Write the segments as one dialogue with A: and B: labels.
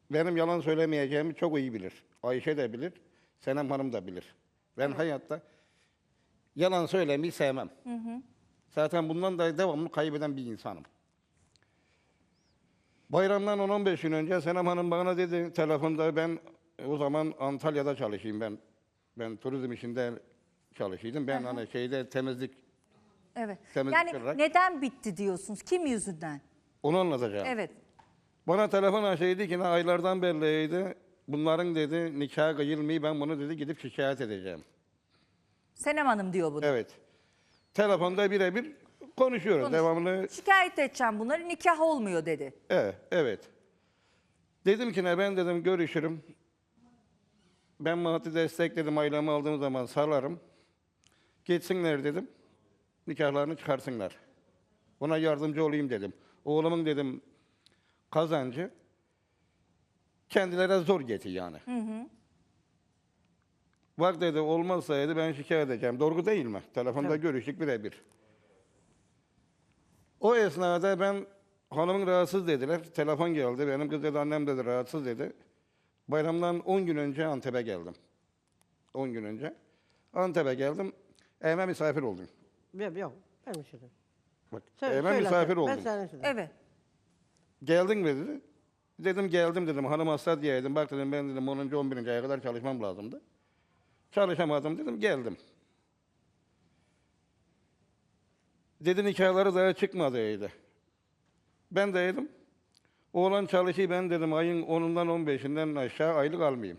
A: benim yalan söylemeyeceğimi çok iyi bilir. Ayşe de bilir, Senem Hanım da bilir. Ben hayatta yalan söylemeyi sevmem. Zaten bundan da devamlı kaybeden bir insanım. Bayramdan 10-15 gün önce Senem Hanım bana dedi telefonda, ben o zaman Antalya'da çalışayım ben. Ben turizm işinde çalışıyordum. Ben hani şeyde temizlik
B: Evet.
A: temizlik
B: Yani
A: olarak
B: neden bitti diyorsunuz? Kim yüzünden?
A: onu anlatacağım.
B: Evet.
A: Bana telefon açıydı ki aylardan belliydi. Bunların dedi nikah kıyılmıyor, ben bunu dedi gidip şikayet edeceğim.
B: Senem Hanım diyor bunu.
A: Evet. Telefonda birebir konuşuyoruz.
B: Konuş.
A: Devamlı.
B: Şikayet edeceğim bunları, nikah olmuyor dedi.
A: Evet, evet. Dedim ki ne, ben dedim görüşürüm. Ben maddi destek dedim, ailemi aldığım zaman sağlarım. Geçsinler dedim. Nikahlarını çıkarsınlar. Ona yardımcı olayım dedim. Oğlumun dedim kazancı kendilerine zor getir yani. Bak dedi, olmazsa dedi ben şikayet edeceğim. Doğru değil mi? Telefonda görüştük birebir. O esnada ben hanımın rahatsız dediler. Telefon geldi. Benim kız dedi, annem dedi rahatsız dedi. Bayramdan 10 gün önce Antep'e geldim. 10 gün önce. Antep'e geldim. Evime misafir oldum.
C: Yok, ben bir şey dedim.
A: Bak,
C: Söyle,
A: evime
C: söyle
A: misafir
C: sen. Ben
A: oldum.
C: sana söyleyeyim.
B: Evet.
A: Geldin mi dedi. Dedim geldim dedim. Hanım hasta diyeydim. Bak dedim ben dedim 10. 11. aya kadar çalışmam lazımdı. Çalışamadım dedim, geldim. Dedi nikahları daha çıkmadı dedi. Ben de dedim, oğlan çalışıyor, ben dedim ayın 10'undan 15'inden aşağı aylık almayayım.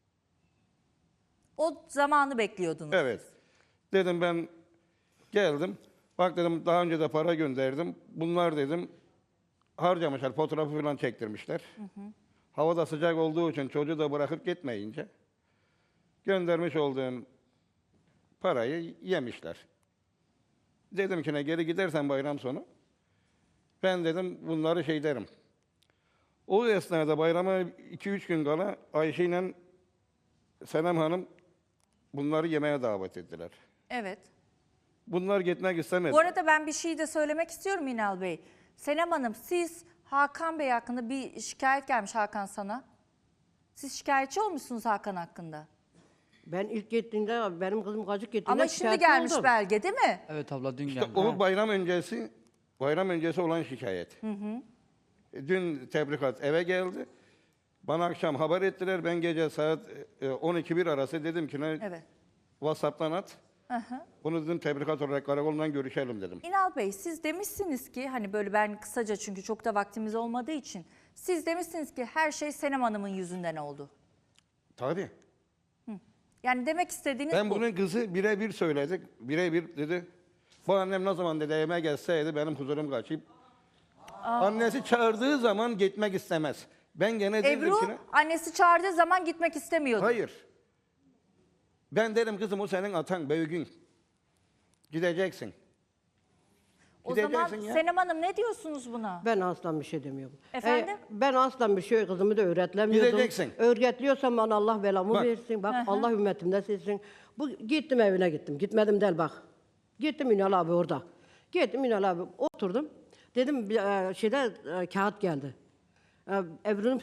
B: O zamanı bekliyordunuz.
A: Evet. Dedim ben geldim. Bak dedim daha önce de para gönderdim. Bunlar dedim harcamışlar, fotoğrafı falan çektirmişler. Hava da sıcak olduğu için çocuğu da bırakıp gitmeyince göndermiş olduğum parayı yemişler. Dedim ki ne, geri gidersen bayram sonu ben dedim bunları şey derim. O esnada bayrama 2-3 gün kala Ayşe ile Senem Hanım bunları yemeğe davet ettiler.
B: Evet.
A: Bunlar gitmek istemedi.
B: Bu arada ben bir şey de söylemek istiyorum İnal Bey. Senem Hanım, siz Hakan Bey hakkında bir şikayet gelmiş Hakan sana. Siz şikayetçi olmuşsunuz Hakan hakkında.
C: Ben ilk gittiğinde, benim kızım gacık gittiğinde
B: Ama şimdi
C: şikayetçi
B: gelmiş
C: oldum.
B: belge değil mi?
D: Evet abla dün
A: İşte
D: geldi.
A: o bayram öncesi olan şikayet. Dün tebrikat eve geldi. Bana akşam haber ettiler. Ben gece saat 12-1 arası dedim ki ne,
B: Evet.
A: WhatsApp'tan at. Bunu dedim tebrikat olarak karakoldan görüşelim dedim.
B: İnal Bey, siz demişsiniz ki hani böyle, ben kısaca çünkü çok da vaktimiz olmadığı için, siz demişsiniz ki her şey Senem Hanım'ın yüzünden oldu.
A: Tabii.
B: Yani demek istediğiniz
A: Ben
B: bu.
A: bunun kızı birebir söyledik. Birebir dedi. Bu annem ne zaman dedi evime gelseydi benim huzurum kaçıp. Annesi çağırdığı zaman gitmek istemez. Ben gene dedim
B: Ebru
A: ki ne?
B: annesi çağırdığı zaman gitmek istemiyordu.
A: Hayır. Ben dedim kızım o senin atan büyüğün. Gideceksin.
B: O zaman
A: Gideceksin ya.
B: Senem Hanım ne diyorsunuz buna?
C: Ben aslan bir şey demiyorum.
B: Efendim?
C: Ben aslan bir şey, kızımı da öğretlemiyordum.
A: Gideceksin.
C: Öğretliyorsam bana Allah belamı
A: Bak.
C: versin. Bak Allah ümmetimden silsin. Gittim evine gittim. Gitmedim del bak. Gittim Ünal abi orada. Gittim Ünal abi oturdum. Dedim kağıt geldi. Ebru'nun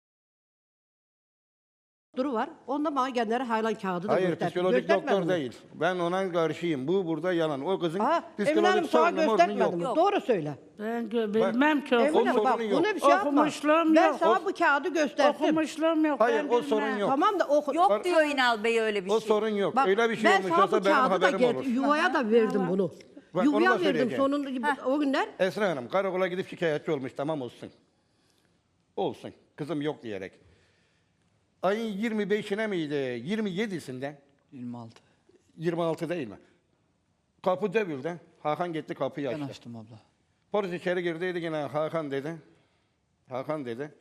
C: duru var. Onda bana kendileri haylan kağıdı da
A: Hayır,
C: gösterdi.
A: psikolojik
C: Göstermedin
A: doktor
C: mi?
A: değil. Ben ona karşıyım. Bu burada yalan. O kızın
C: Emine Hanım
A: psikolojik
C: sana
A: sorunu morunu
C: göstermedim
A: yok.
C: mi? Doğru söyle.
E: Ben bilmem ki
C: Emine
A: o
C: Hanım bak
A: sorunu yok.
C: buna bir şey yapma.
E: Okumuşluğum
C: Ben
E: yok.
C: sana bu kağıdı gösterdim.
E: Okumuşluğum yok.
A: Hayır,
E: ben
A: o
E: bilmem.
A: sorun yok.
C: Tamam da oku.
B: Yok diyor İnal Bey öyle bir
A: O
B: şey.
A: sorun yok.
C: Bak,
A: Öyle bir şey
C: ben
A: olmuş
C: sana bu
A: olsa benim
C: kağıdı da
A: haberim olur.
C: yuvaya da verdim bunu.
A: Bak, onu da
C: Yuvaya verdim
A: söyleyeceğim.
C: sonunda o günler.
A: Esra Hanım karakola gidip şikayetçi olmuş, tamam olsun. Olsun. Kızım yok diyerek. Ayın 25'ine miydi? 27'sinde.
D: 26.
A: 26 değil mi? Kapı dövüldü. Hakan gitti kapıyı
D: Ben
A: açtı.
D: açtım abla.
A: Polis içeri girdiydi yine Hakan dedi. Hakan dedi.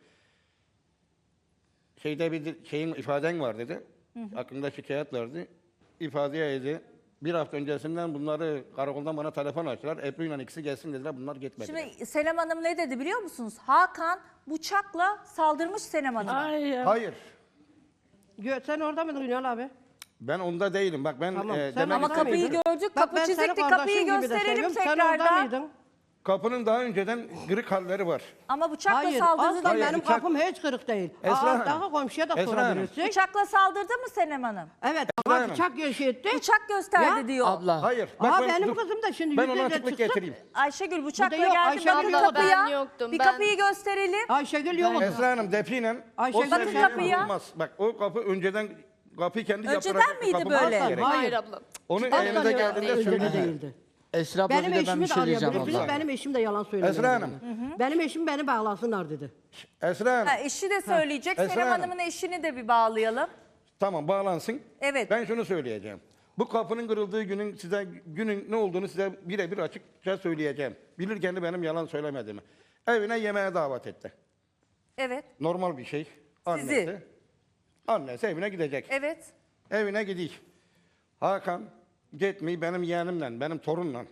A: Şeyde bir şeyin ifaden var dedi. Aklında şikayet vardı. İfadeye dedi. Bir hafta öncesinden bunları karakoldan bana telefon açtılar. Ebru ile ikisi gelsin dediler. Bunlar gitmediler.
B: Şimdi Senem Hanım ne dedi biliyor musunuz? Hakan bıçakla saldırmış Senem Hanım'a.
E: Ay ya.
A: Hayır.
C: Sen orada mıydın Ünal abi?
A: Ben onda değilim. Bak ben
C: Tamam, sen
A: demek
B: Ama
C: orada
A: istediğim-
B: kapıyı
C: mıydın?
B: gördük,
C: Bak,
B: kapı
C: ben senin
B: çizikti,
C: kardeşin
B: kapıyı
C: gibi de
B: gösterelim
C: seviyorum. Sen orada
B: tekrardan.
C: mıydın?
A: Kapının daha önceden kırık halleri var.
B: Ama bıçakla
C: Hayır,
B: saldırdı
C: asla
B: değil mi?
C: benim
A: bıçak-
C: kapım hiç kırık değil.
A: Esra Hanım.
C: Daha komşuya da
A: Esra Hanım.
C: sorabilirsin.
B: Bıçakla saldırdı mı Senem Hanım?
C: Evet,
A: Esra
C: ama
A: Hanım.
C: bıçak şey etti.
B: Bıçak gösterdi
C: Ya,
B: diyor.
D: Abla.
A: Hayır.
C: Aa,
A: ben-
C: benim
A: dur.
C: kızım da şimdi
A: Ben
C: yüzde
A: ona
C: yüz
A: açıklık
C: çıksın.
A: getireyim.
B: Ayşegül bıçakla
C: yok,
B: geldi.
C: Ayşegül
B: Bakın
C: yok.
B: kapıya.
F: Ben yoktum,
B: Bir
F: ben-
B: kapıyı gösterelim.
C: Ayşegül yok.
A: Esra Hanım defiyle
C: Ayşegül
A: o
C: Bakın
A: seviyeye
B: kapıya.
A: vurulmaz. Bak o kapı önceden kapıyı kendi
B: Önceden
A: yaptıracak bir
B: miydi
A: kapı
B: böyle?
A: olması
C: Aslan,
A: gerek.
F: Hayır abla.
A: Onu
C: Aslan
A: elinize
C: yok,
A: geldiğinde
C: önceli
A: söyleyin.
C: değildi.
D: Esra abla
C: Benim
D: bir de ben
C: eşimi
D: bir
C: de
D: şey diyeceğim
C: arayabilirsiniz.
D: abla.
C: Benim eşim de yalan söylemiyor.
A: Esra Hanım.
C: Benim eşim beni bağlasınlar dedi.
A: Esra Hanım.
B: Ha, eşi de söyleyecek.
A: Esra
B: Senem
A: Hanım.
B: Hanım'ın eşini de bir bağlayalım.
A: Tamam bağlansın.
B: Evet.
A: Ben şunu söyleyeceğim. Bu kapının kırıldığı günün ne olduğunu size birebir açıkça söyleyeceğim. Bilirken de benim yalan söylemediğimi. Evine yemeğe davet etti.
B: Evet.
A: Normal bir şey. Annesi. Annesi evine gidecek.
B: Evet.
A: Evine gidiyor. Hakan gitmeyi benim yeğenimle, benim torunla,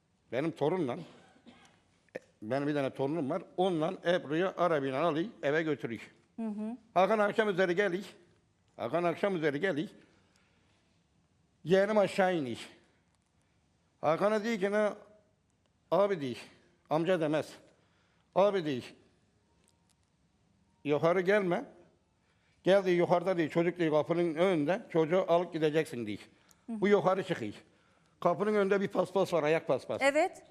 A: benim bir tane torunum var. Onunla Ebru'yu arabayla alıyor, eve götürüyor. Hakan akşam üzeri geliyor. Yeğenim aşağı iniyor. Hakan'a diyor ki ne? Abi diyor, amca demez. Abi diyor, yukarı gelme. Geldi yukarıda diyor, çocuk diyor kapının önünde, çocuğu alıp gideceksin diyor. Bu yukarı çıkıyor. Kapının önünde bir paspas var, ayak paspası.
B: Evet.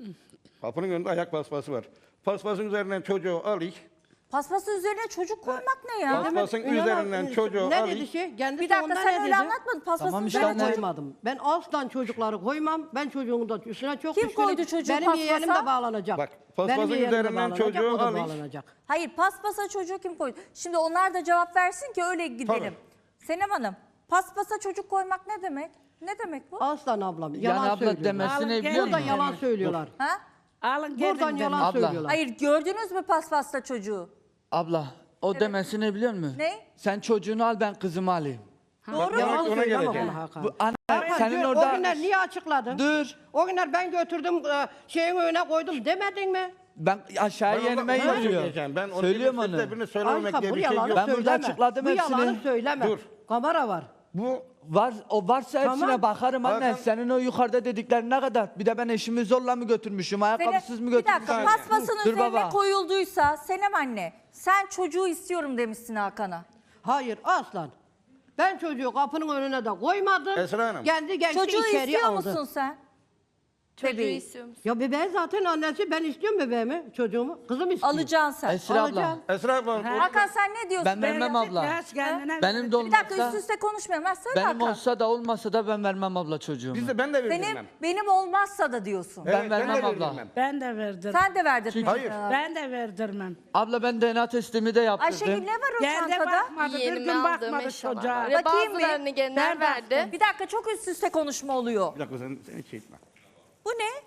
A: Kapının önünde ayak paspası var. Paspasın üzerinden çocuğu alıyor.
B: Paspasın üzerine çocuk koymak ne ya?
A: Paspasın üzerinden çocuğu
C: Ne
A: alıyor.
C: dedi şey? Kendisi
B: Bir dakika
C: ondan
B: sen
C: ne
B: öyle
C: dedi?
B: anlatmadın. Paspasın
D: Tamam işte
B: üzerine
C: Ben
D: anne.
B: çocuk.
C: koymadım. Ben aslan çocukları koymam. Ben çocuğumun da üstüne çok
B: Kim
C: düşkünüm.
B: koydu çocuğu
C: Benim
B: paspasa?
C: yeğenim de bağlanacak.
A: Bak, paspasın
C: Benim yeğenim de
A: üzerinden
C: bağlanacak,
A: çocuğu
C: o da
A: alıyor.
C: bağlanacak.
B: Hayır paspasa çocuğu kim koydu? Şimdi onlar da cevap versin ki öyle gidelim. Senem Hanım paspasa çocuk koymak ne demek? Ne demek bu?
C: Aslan ablam yalan
D: Yani abla
C: söylüyorlar.
D: demesini
E: Alın,
D: biliyor
C: Burada
D: musun?
C: yalan söylüyorlar.
B: Ha?
E: Alın gelin
C: Buradan
E: benim.
C: yalan
D: Abla.
C: söylüyorlar.
B: Hayır gördünüz mü paspasta çocuğu?
D: Abla o demesini biliyor musun?
B: Ne?
D: Sen çocuğunu al ben kızımı alayım.
B: Doğru mu?
C: Yalan
A: ona
C: söyleme
A: geleceğim.
C: bana Hakan.
D: Bu anne
C: Hakan,
D: senin
C: o
D: orada
C: günler niye açıkladın?
D: dur.
C: O günler ben götürdüm şeyin önüne koydum demedin mi?
D: Ben aşağı
A: Ben
D: yenime
A: onu
D: yazıyor.
A: söyleyeceğim. Ben onu
D: Söylüyorum
A: birinin
D: onu.
A: sesle söylememek
C: Ayşe
A: diye
C: bu
A: bir şey
C: yalanı
A: yok.
D: Ben burada
C: söyleme.
D: açıkladım
C: Bu
D: hepsini.
C: yalanı söyleme.
A: Dur.
C: Kamera var.
A: Bu
D: O varsa hepsine
C: Tamam.
D: bakarım anne.
A: Hakan-
D: Senin o yukarıda dediklerin ne kadar? Bir de ben eşimi zorla mı götürmüşüm? Ayakkabısız mı
B: Bir dakika
D: götürmüşüm?
B: paspasın
D: Dur
B: üzerine
D: baba.
B: koyulduysa Senem anne sen çocuğu istiyorum demişsin Hakan'a.
C: Hayır aslan. Ben çocuğu kapının önüne de koymadım.
A: Esra Hanım.
C: Kendi geçti
B: Çocuğu
C: içeriye
B: istiyor
C: aldı.
B: musun sen?
F: Çocuğu
B: Bebeği.
F: istiyor musun?
C: Ya bebeğin zaten annesi ben istiyorum bebeğimi, çocuğumu. Kızım istiyor.
B: Alacaksın sen.
D: Esra abla.
C: Alacağım.
A: Esra abla,
B: Hakan sen ne diyorsun?
D: Ben vermem abla.
E: Biraz kendine
D: Benim de
B: Bir dakika
D: olmazsa,
B: üst üste konuşmayalım. Ben söyle
D: benim
B: Hakan.
D: olsa da olmasa da ben vermem abla çocuğumu.
A: ben de verdim.
B: Benim olmazsa da diyorsun.
A: Evet,
D: Ben vermem
A: de
D: abla.
A: verdim.
E: Ben de verdim.
B: Sen de verdin.
A: Hayır.
E: Ben de verdirmem.
D: Abla ben DNA testimi de yaptırdım.
B: Ayşegül ne var o
E: Kendi
B: çantada?
E: bakmadı. Bir
F: Yeğenime
E: gün
F: aldığım
E: bakmadı
F: eşyalar
E: çocuğa.
F: var. Ve
B: Bakayım bir.
F: bazılarını genel
E: Ben
F: verdi.
B: Bir dakika çok üst üste konuşma oluyor.
A: Bir dakika sen hiç şey etme.
B: Bu ne?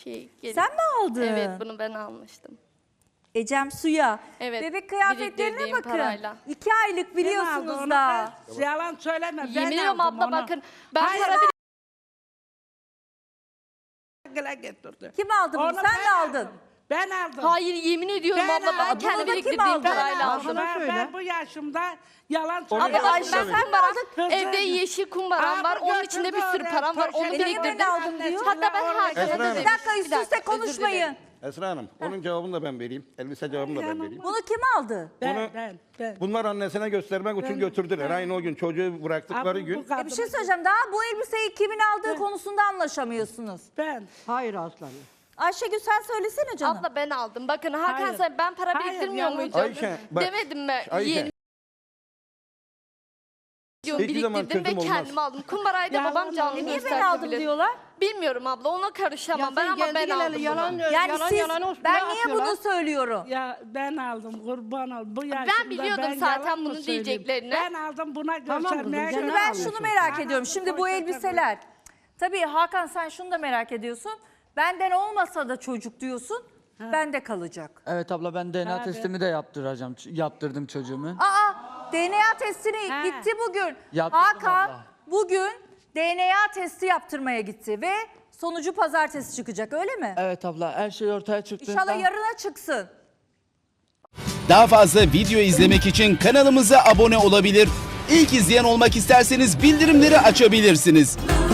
F: Sen
B: mi aldın?
F: Evet bunu ben almıştım.
B: Ecem Suya.
F: Evet,
B: Bebek kıyafetlerine
F: biriktirdiğim
B: bakın.
F: parayla.
B: 2 aylık
E: Kim aldı
B: biliyorsunuz
E: onu?
B: da.
E: Yalan söyleme. Ben
F: Yemin ediyorum
E: aldım
F: abla
E: onu.
F: bakın. Ben
E: Hayır,
F: para
E: Gele getirdi.
B: Kim aldı bunu?
E: Onu
B: Sen
E: ben
B: mi aldın?
E: Ben aldım.
F: Hayır yemin ediyorum
E: Ben
F: abla ben
E: aldım.
F: kendi
B: Bunu da kim
F: biriktirdiğim
B: aldı?
F: parayla
C: Ben
F: aldım.
C: aldım. Bana söyle.
E: Ben bu yaşımda yalan
A: Onu
F: Abla
E: söylüyorum.
F: bak
A: Ayşe
F: ben
A: söyledi.
F: kumbaram,
E: Kızım.
F: evde yeşil kumbaram var. Onun içinde bir sürü param var. Onu
E: Poşeti
F: biriktirdim.
B: ben aldım diyor.
F: Hatta ben Hakan'a
A: Esra
F: da
A: Hanım.
B: Bir
F: demiştim.
B: dakika üst üste konuşmayın.
A: Esra Hanım, onun cevabını da ben vereyim. Elbise cevabını da ben vereyim.
B: Bunu kim aldı?
A: Bunu-
E: Ben.
A: Bunlar annesine göstermek için götürdüler. Aynı o gün çocuğu bıraktıkları gün.
B: Bir şey söyleyeceğim. Daha bu elbiseyi kimin aldığı konusunda anlaşamıyorsunuz.
E: Ben.
C: Hayır aslan.
B: Ayşegül sen söylesene canım.
F: Abla ben aldım. Bakın Hakan
E: Hayır.
F: sen ben para
E: Hayır,
F: biriktirmiyor
E: yalan.
F: muydum?
A: Ayşe, bak.
F: Demedim mi?
A: Ayşe.
F: Yeğenim
A: Hiçbir zaman
F: biriktirdim ve
A: sözüm olmaz.
F: kendime aldım. Kumbarayı da
E: Yalan
F: babam canlı
E: oldu.
B: Niye ben
F: gösterdi
B: aldım
F: bile.
B: diyorlar?
F: Bilmiyorum abla ona karışamam ben ama ben aldım.
C: Yalan,
F: bunu.
B: Yani
C: yalan,
B: siz,
C: yalan üstüne
B: ben niye
C: atıyorlar.
B: bunu söylüyorum?
E: Ya ben aldım kurban ol. Bu yaşımda
F: Ben biliyordum
E: ben
F: zaten
E: yalan mı
F: bunu
E: söyleyeyim?
F: diyeceklerini.
E: Ben aldım buna
C: Tamam kızım,
E: göstermeye
C: sen
B: Şimdi
C: ne
B: ben
C: alıyorsun?
B: şunu merak ediyorum. Şimdi bu
E: Poşete
B: elbiseler. Tabii Hakan sen şunu da merak ediyorsun. Benden olmasa da çocuk diyorsun. Bende kalacak.
D: Evet abla ben DNA
E: Tabii.
D: testimi de yaptırdım çocuğumu.
B: Aa DNA testini
E: Ha.
B: gitti bugün.
D: Yaptırdım
B: Hakan
D: abla.
B: bugün DNA testi yaptırmaya gitti ve sonucu pazartesi çıkacak öyle mi?
D: Evet abla her şey ortaya çıktığında.
B: İnşallah yarına çıksın.
G: Daha fazla video izlemek için kanalımıza abone olabilir. İlk izleyen olmak isterseniz bildirimleri açabilirsiniz.